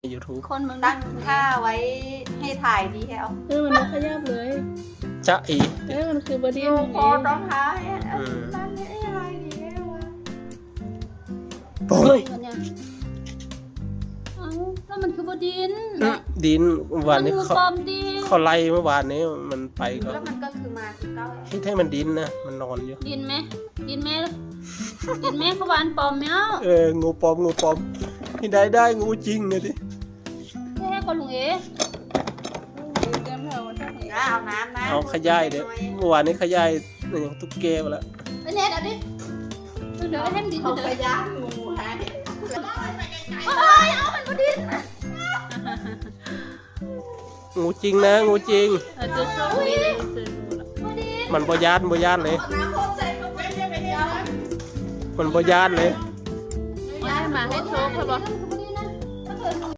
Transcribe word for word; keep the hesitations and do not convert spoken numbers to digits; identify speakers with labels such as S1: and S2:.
S1: ยูทูบ
S2: คนมึง
S3: ตั้งค่าไว้ให้ถ่ายดีแค่เอา
S2: เออมันไม่ขยับเลย
S1: จะอี
S2: เออมันคือบอดี้
S3: ดู
S2: มัน
S3: โค
S2: เอง
S3: ต้องท้าย
S1: อืม
S3: นั่นนี่อะไรดีแค่วะ
S1: เฮ้ย
S2: เนี่ยเอ้าแล้วมันคือบอดิน
S1: ดินวันนี้
S2: มันคือ
S1: เขา
S2: ปลอมดิน
S1: เขาไล่เมื่อวานนี้มันไปก็
S3: แล้วมันก็คือมาคือเก้า
S1: ให้ให้มันดินนะมันนอนอยู่
S2: ดินไหมดินไหมดินไหมเขาวานปลอมไหมเอ้า
S1: เอองูปลอมงูปลอมที่ได้ได้งูจริงเลยดิ
S2: แค่ก็ลุงเอ๋
S3: แล้วเอาน้ำนะ
S1: เอาขยายเด้เมื่อวานนี้ขยายอย่างตุ๊กแกไปแล้ว
S2: ไอ้เน็ตเอาดิเดี๋ยวไอ้เทมดิน
S3: เอา
S2: เดี๋ยว
S3: ไป
S2: เดี๋ยว
S3: ย่างงูให้
S2: เอ้ยเอามันบอดิน
S1: งูจริงนะงูจริง
S2: เออจะโชว์ดิบอดิน
S1: มันบ่ยานบ่ยานเลย
S3: น้ำพกใส่ก็ไม่ได้ไปเดียว
S1: มันบ่ยานเลย
S2: ให้มาให้โชว์เขาบอก
S3: เ